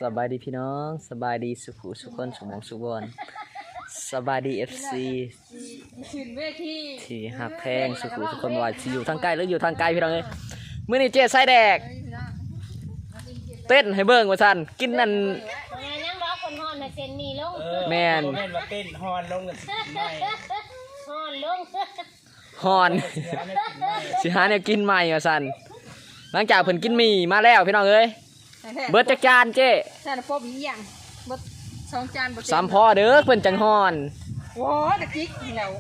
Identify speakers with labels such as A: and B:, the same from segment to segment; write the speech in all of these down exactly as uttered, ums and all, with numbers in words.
A: สบายดีพี่น้องสบายดีสุขุสุขคนสุขมองสุขบอนสบายดีเอฟซีที่หักแพงสุขุสุขคนว่าที่อยู่ทางใกล้หรืออยู่ทางไกลพี่น้องเอ้ยมื้อนี้เจ๊ไส้แดกเต้นให้เบิ่งว่าซั่นกินนั่น
B: ยังร้องคนฮอนมาเซนมีลง
A: แม่น
C: แม่นว่าเต้นฮอนลงกันไม่
B: ฮอนลง
A: ฮอนสิหาแนวกินใหม่ว่าซั่นหลังจากเพิ่นกินหมี่มาแล้วพี่น้องเอ้ยเบิดจักจานเจ๊
D: จานพบอีกอย่างเบิดสองจาน
A: สามพอเด้อเพิ่นจังฮอน
D: โอ้ตะกิ๊กแล้ว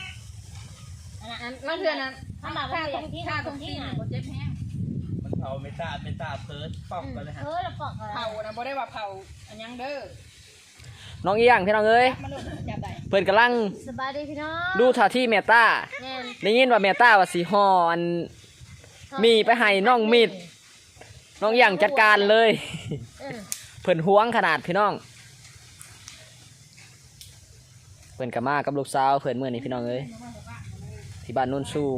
D: นั่นเพื่อนนั้น
B: ถ้ามาว่าอย่างที่
D: ค่าตรงที่บ่เจ็บแฮง
C: มันเผาไม่ตาไม่ตาเพิร์ดปอกกันเลยฮะ
B: เออแล้วปอก
D: เผานะบ่ได้ว่าเผาอันยังเด้อ
A: น้องเอียงพี่น้องเอ้ยเพิ่นกำลัง
B: สบายดีพี่น้อง
A: ดูท่าที่เมตตาได้ยินว่าเมตตาว่าสิฮอนมีไปให้น้องมิดน้องอย่างจัดการเลยเพิ่นห่วงขนาดพี่น้องเพิ่นกับมากับลูกสาวเพิ่นเมื่อนี้พี่น้องเอ้ยที่บ้านโนนสูง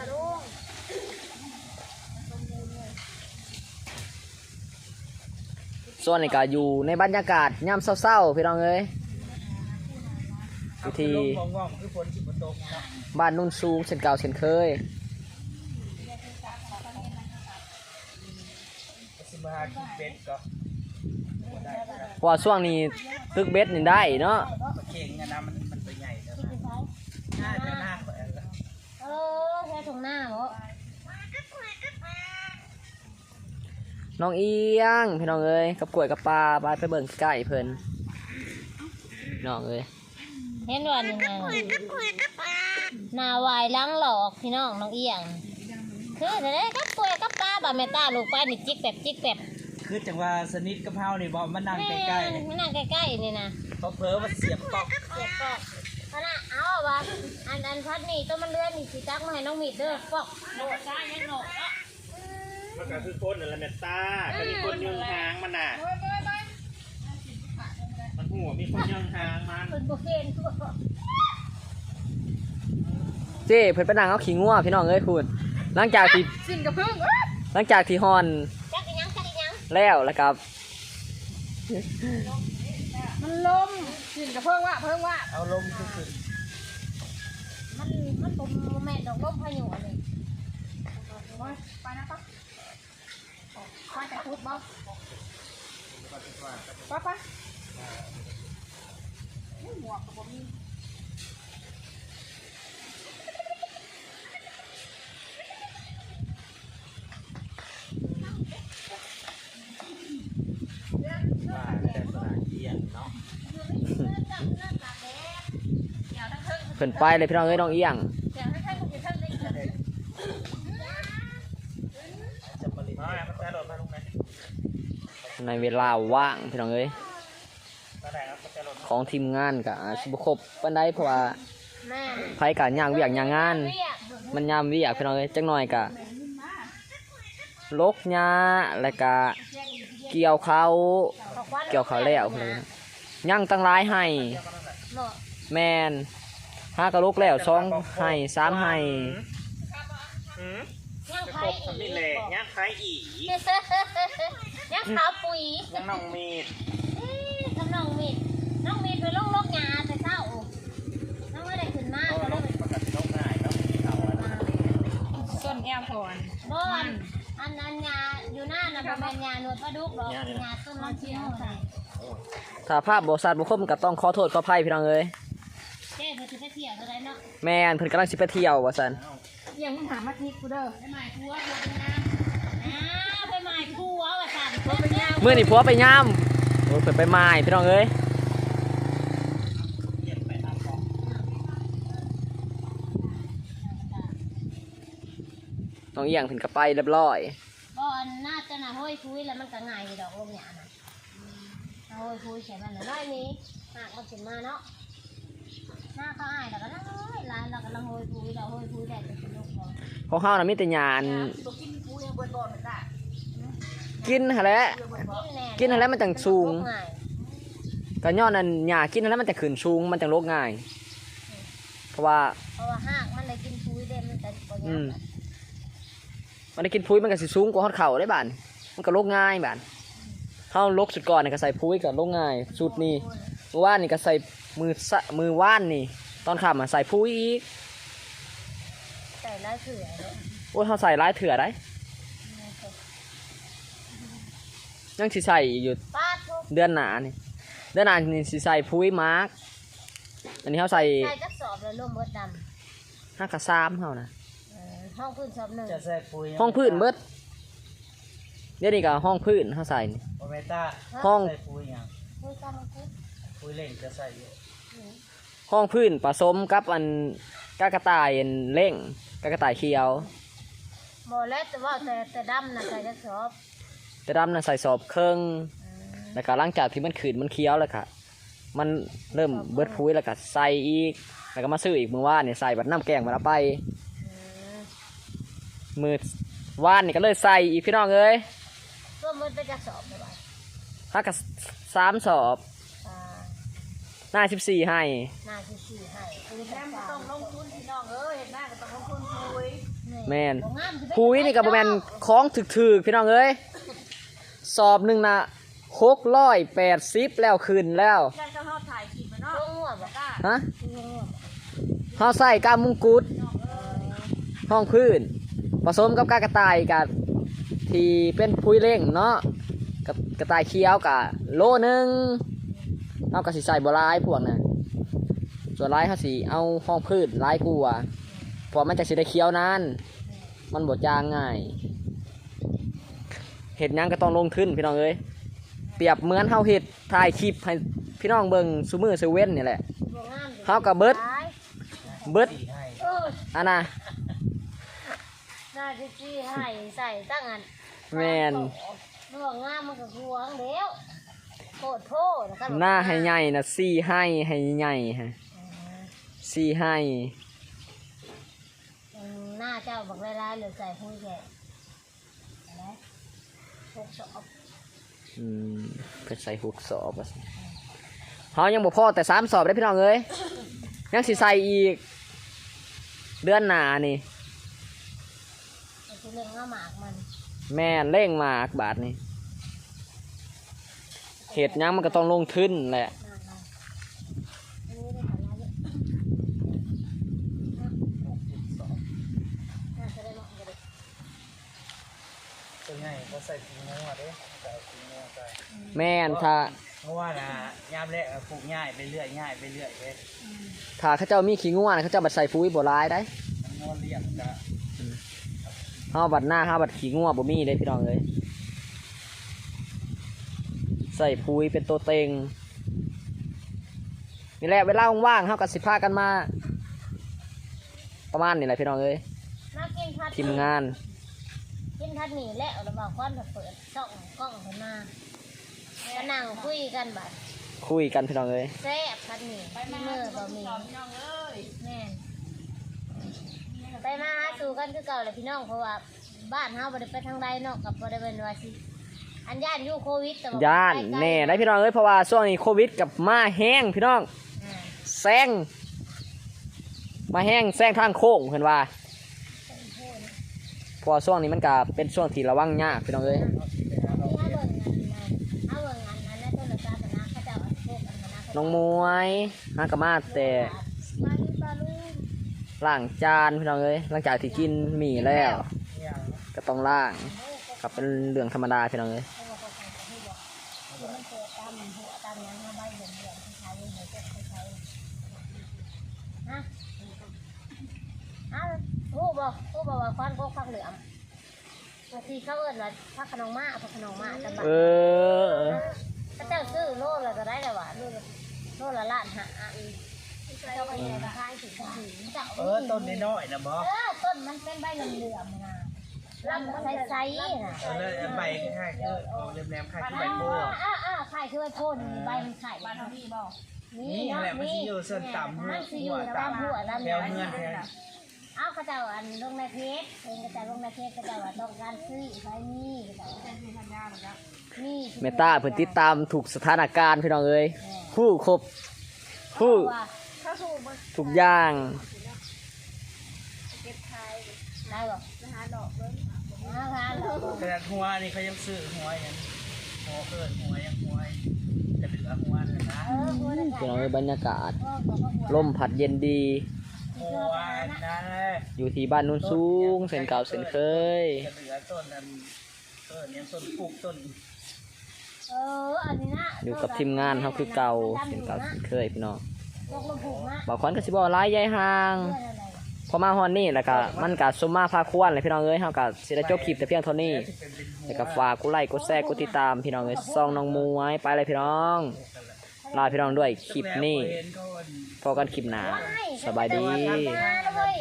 A: ส่วนนี้ก็อยู่ในบรรยากาศยามเศร้าๆพี่น้องเอ้ยวิธีบ้านโนนสูงเช่นเก่าเช่นเคยเพราะว่าช่วงนี้ตึกเบ็ดนี่ได้เนาะ
C: เก่งนะมันมันตัวใหญ่แล้วน่าจะน่า
B: เออแค่ตรงหน้าเหรอ
A: น้องเอียงพี่น้องเอ้ยกับกล้วยกับปลาไปไปเบิ่งใกล้เพิ่นน้องเอ้ย
B: เห็นว่านี่นะหน้าวายล้างหลอกพี่น้องน้องเอียงคือแต่ได้กับกล้วยกับปลาบาเมตาลูกไปนี่จิกแบบจิกแบบ
C: คือจังว่าสนิทกับเฮานี่บ่มันนั่งใกล้ๆ
B: มันนั่งใกล้ๆนี่นะ
C: เขาเผลอว่าเสียบปอก
B: เสียบปอกขณะเอาว่าอันอันพัดนี่ต้นมันเลื่อนนี่สิจักมาให้น้องมีดเด้อปอกโดดซ้ายยังโหนกอ่ะ
C: มันก็คือคนนั่นแหละเมตตาก็มีคนยืนหางมันน่ะมันหัวมีคนยืนหางมัน
B: เป็นโบเคน
A: เจ้เพิ่นไปนั่งเอาขี้งัวพี่น้องเอ้ยพูดหลังจากที่
D: สิ้นกับพึ่ง
A: หลังจากที่ฮอน
B: จักอีหยังจักอีหยัง
A: แล้วแล้วครับ
D: มันลมสิ้นกับพึ่งว่าพึ่งว่า
C: เอาลมขึ้น
B: มันมันตมแม่ดอกลมพายุอันนี้
D: ไปนะป๊าไปแต่พูดบ้างป๊าป๊าหมวกกับผมมี
A: เพิ่นไปเลยพี่น้องเอ้ยน้องเอียงในเวลาว่างพี่น้องเอ้ยของทีมงานกับสิบครบปานใดเพราะว่าไผกับย่างเวียกย่างงานมันยามเวียกพี่น้องเอ้ยจักหน่อยกะลกหญ้าแล้วก็เกี่ยวเขาเกี่ยวเขาแล้วเลยย่างตั้งหลายให้แม่นห้ากระลุกแล้วสองให้สามให้
B: ย่างไข่อี
C: นี่แหละย่างไข่อี
B: ย่างขาวปุ๋ย
C: ย่างน้องมีด
B: ทำน้องมีดน้องมีดไปลงลกหญ้าแต่เช้าน้องไม่ได้ขึ้นมาก็เลย
C: ปกติลกง่ายเนาะ
D: ส้นแอมพอน
B: บอนอันอันหญ้าอยู่หน้าน่ะบ่แม่นหญ้าหนวดปลาดุกหรอกหญ้าต้นมะเขือใส่
A: ถ้าภาพบ่ชัดบ่คมก็ต้องขอโทษขออภัยพี่น้องเอ้ย
B: เจ้เพิ่นสิไปเที่ยวเท่าใดเนาะ
A: แม่นเพิ่นกำลังสิไปเที่ยวว่าซั่น
D: เอียงมึงหามาทิกกูเด้อ
B: ไปหมายผัวผัวเป็นนางอ้าไปหมายผัวว่าซั่น
A: มื้อนี้ผัวไปยามโอ้ยเพิ่นไปหมายพี่น้องเอ้ยน้องเอียงเพิ่นก็ไปเรียบร้อย
B: บ่อันน่าจะน่ะห้อยคุยแล้วมันก็ง่ายอยู่ดอกลมหญ้าน่ะห้อยคุยใช่มันน่ะน้อยนี้หากมันขึ้นมาเนาะหน้าเขาอายแล้วก็น้อยหลานเรากำลังห้อยคุยเราห้อยคุยได้แต่สนุกบ่
A: ของเฮาน่ะมีแต่หญ้า
D: กินกูยังบ่บ่เหมือนกัน
A: กินหั่นแหละกินหั่นแหละมันจังสูงก็ย้อนนั่นหญ้ากินหั่นแหละมันจะขึ้นสูงมันจังโรคง่ายเพราะว่า
B: เพราะว่าหากมันได้กินคุยได้มันจะบ่ยาก
A: มันได้กินพุ้ยมันก็สิสูงกว่าฮอดเข่าได้บ้านมันก็โรคง่ายบ้านเฮาลกสุดก่อนนี่ก็ใส่พุ้ยกับลงง่ายสุดนี่เมื่อวานนี่ก็ใส่มือสะมือว่านนี่ตอนขับมาใส่พุ้ยอีก
B: ใส่ลายเสือเลย
A: โอ้ยเฮาใส่ร้ายเถื่อได้ยังสิใส่อยู่
B: ป้าทุก
A: เดือนหน้านี่เดือนหน้านี่สิใส่พุ้ยมาร์กอันนี้เฮาใส่
B: ใส่กระสอบเลยร่วมเบิดด
A: ห้ากระซ้ำเฮานะ
B: ำเออห้องพื้นสอบหนึ่ง
E: จะใส่ปุ๋ย
A: ห้องพื้นเบิดเดี๋ยวนี้ก็ห้องพื้นเฮาใส่นี่
E: โอเมต้า
A: ห้อง
E: ใส่ปุ๋ยหยัง
B: คุยกันมาคุย
E: ปุ๋ยเล่งจะใส่อยู่
A: ห้องพื้นผสมกับอันกากระต่ายอันเล่งกากระต่ายเขียว
B: หมอแล้วแต่ว่าแต่แต่ดำนะใส่กระสอบ
A: แต่ดำน่ะใส่สอบเครื่อง
B: อืม
A: แล้วก็หลังจากที่มันขืนมันเคี้ยวแล้วค่ะมันเริ่มเบิดพุ้ยแล้วก็ใส่อีกแล้วก็มาซื้ออีกมือว่านเนี่ยใส่บัดน้ำแกงมาแล้วไป
B: อืม
A: มือว่านนี่ก็เลยใส่อีกพี่น้องเอ้ย
B: ร่วมเบิดไปกระสอบเลยว่ะ
A: ถ้ากับสามสอบ
B: อ่า
A: หน้าสิบสี่ให้
B: หน้าที่สี่ให้คือ
D: แม่ไม่ต้องลงทุนพี่น้องเอ้ยเห็นหน้าก็ต้องลงทุนคุย
A: แม่น
B: บ่งามสิ
A: พุ้ยนี่กับแมนคล้องถึกๆพี่น้องเอ้ยสอบหนึ่งนะหกร้อยแปดสิบแล้วคืนแล้ว
D: ได้เจ้าเขาถ่ายคลิปมาเนาะ
B: ช่วงหัวบ่
D: กล้า
A: ฮะ
B: ช่วงหัวบ่
A: เขาใส่กามุงกุฎห้องพื้นผสมกับกากระต่ายกับที่เป็นพุ้ยเล่งเนาะกับกระต่ายเคี้ยวกับโลหนึ่งเอากระสีใส่บัวลายพวกน่ะส่วนลายเขาสีเอาห้องพื้นลายกลัวเพราะมันจะสีได้เคี้ยวนานมันบดจางง่ายเห็ดหยังก็ต้องลงทุนพี่น้องเอ้ยเปรียบเหมือนเฮาเห็ดถ่ายคลิปให้พี่น้องเบิ่งซูมือซูเว่นนี่แหละ
B: บ่งาม
A: เขากับเบิด
B: หลาย
A: เบิด
E: สีให้
B: เออ
A: อันน่ะ
B: หน้าที่สี่ให้ใส่ตั้งอัน
A: แมน
B: เรื่องงามมันก็หวงเดียวโคตรโทษนะครับ
A: หน้าให้ใหญ่นะสี่ให้ให้ใหญ่ฮะสี่ให้
B: อืมหน้าเจ้าบักลายๆเหลือใส่หุ้ยแค่อะไรหกสอบ
A: อืมเพิ่นใส่หกสอบอะสิเฮายังบ่พอแต่สามสอบได้พี่น้องเอ้ยยังสิใส่อีก เดือนหน้านี่
B: ไอ้ที่เรื่องงาหมากมัน
A: แม่นเร่งมากบาทนี่เฮ็ดหยังมันก็ต้องลงทุนแหละ
B: หน้าเราอันนี้ได้ผลอะไรเยอะน่าจะได้เหมาะกันเลย
E: ตัวใหญ่ก็ใส่ปุ๋ยงัวเด้ใส่ปุ๋ยงัวใส่
A: แม่นถ้า
E: เพราะว่านะยามแรกอะปลูกง่ายไปเรื่อยง่ายไปเรื่อยเด้
A: ถ้าเขาเจ้ามีขี้งัวนะเขาเจ้าบัดใส่ปุ๋ยบ่หลายได้
E: มันงัวเลี้ยงจะ
A: เฮาบัดหน้าเฮาบัดขี้งัวบ่มีเด้พี่น้องเอ้ยใส่ปุ๋ยเป็นตัวเต็งนี่แหละเวลาว่างๆเฮาก็สิพากันมา ประมาณนี้แหละพี่น้องเอ้ย
B: น่ากินพัด
A: ทีมงาน
B: กินพัดหนีแล้วเราบอกก้อนแบบเปิดช่องกล้องขึ้นมาก็นั่งคุยกันบัด
A: คุยกันพี่น้องเอ้ย
B: แซ่บพัดหนี
D: ไป
B: ที่
D: มา
B: มือบ่มี
D: พี่น้องเอ้ย
B: แม่นไปมาหาสู่กันคือเก่าเลยพี่น้องเพราะว่าบ้านเฮาบ่ได้ไปทางใดเนาะกับบ่ได้เป็นว่าสิอันย่านอยู่โควิดแต่ว่
A: ย่าน
B: ไปไกล
A: แน่ได้พี่น้องเอ้ยเพราะว่าช่วงนี้โควิดกับมาแห้งพี่น้อง
B: อ่า
A: แซงมาแห้งแซงทางโค้งเพิ่นว่าเพราะว่าช่วงนี้มันก็เป็นช่วงที่ระวังยากพี่น้องเอ้ย
B: ที่เฮาเบิ่งอันนั้นเฮาเบิ่งอันนั้นในโทรศัพท์นะเขาเจ้าเอาพวกอันนั้นนะ
A: น้องมวยฮากะมาแต่
B: ปลาลูปลาลู
A: ล้างจานพี่น้องเอ้ยหลังจากที่กินหมี่แล้ว
E: เนี่ย
A: ก็ต้องล้างกับเป็นเรื่องธรรมดาพี่น้องเอ้ย
B: เขาบอกเขาใส่ที่บอกคือมันเกิดตามหัวตามหยังเฮาใบเหลืองๆที่ใช้เหมือนเจ้าใช้ฮะอ้าวฮู้บ่ฮู้บ่ว่าควันกกฟักเหลืองบางทีเขาเอิ้นว่าพักขนมมาพักขนมมาแต่บา
A: เออ
B: ถ้าเจ้าซื้อโลละก็ได้แล้วว่ะโลละโลละล้านหาอีกเจ้าก็ยังขายถึงถึงเจ้า
E: เออต้นน้อยๆนะบอ
B: เออต้นมันเป็นใบเหลืองๆนะลำมันใสๆน่ะ
E: เออแล้วใบค่ายๆคือเอาแหลมๆค่ายคือใบโพ
B: อ่าอ่าอ่าไข่คือใบโพนใบมันไข่
D: บ้านทางพี่บอก
E: นี่แหละมันสิอยู่ส่วนต่ำหัว
B: มันสิอยู่ตามหัวตาม
E: แถวเงินแถว
B: เอากระเจ้าอันลงในเพจเองกระเจ้าลงในเพจกระเจ้าว่าต้องการซื้อใบนี้กระเจ้า
D: เป็นพี่ธัญญาเหมือนกัน
B: นี่
A: เมตาเพิ่นติดตามถูกสถานการณ์พี่น้องเอ้ยผู้ครบผู้
B: ว่า
D: ถ้าถูกมัน
A: ทุกอย่าง
D: เก็บไทย
B: ได้บ่
D: นะฮะดอกเบิ้ง
B: อาหาร
E: ขนาดหัวนี่เขายังซื้อหัวอย่างนี้พอเกิดหัวยังหัวกระเดือกหัวนะนะ
B: เออหัวนั่น
A: พี่น้อง
B: แห
A: เอ้
B: ละ
A: ยบรรยากาศ
B: เออบอกว่าหัว
A: ลมพัดเย็นดี
E: หัวนั่นเลย
A: อยู่ที่บ้านนุ่นสูงเส้นเก่าเส้นเคย
E: กระเดือกต้นนั้นเออเนี่ยต้นปลูกต้น
B: เอออันนี้นะ
A: อยู่กับทีมงานเฮาคือเก่าเส้นเก่าเส้นเคยพี่น้อง
B: ลงลงผูกนะ
A: บอกควันก็สิบ่หลายใหญ่ห่าง
B: เพื่อนอะไร
A: พอมาฮอนนี่แล้วก็มันก็สมมาพาควรเลยพี่น้องเอ้ยเฮาก็สิได้จบคลิปแต่เพียงเท่านี้แล้วก็ฝากกดไลค์กดแชร์กดติดตามพี่น้องเอ้ยซ่องน้องมวยไปเลยพี่น้องลาพี่น้องด้วยคลิปนี้พอกันคลิปหน้าสบายดี
B: มาเลย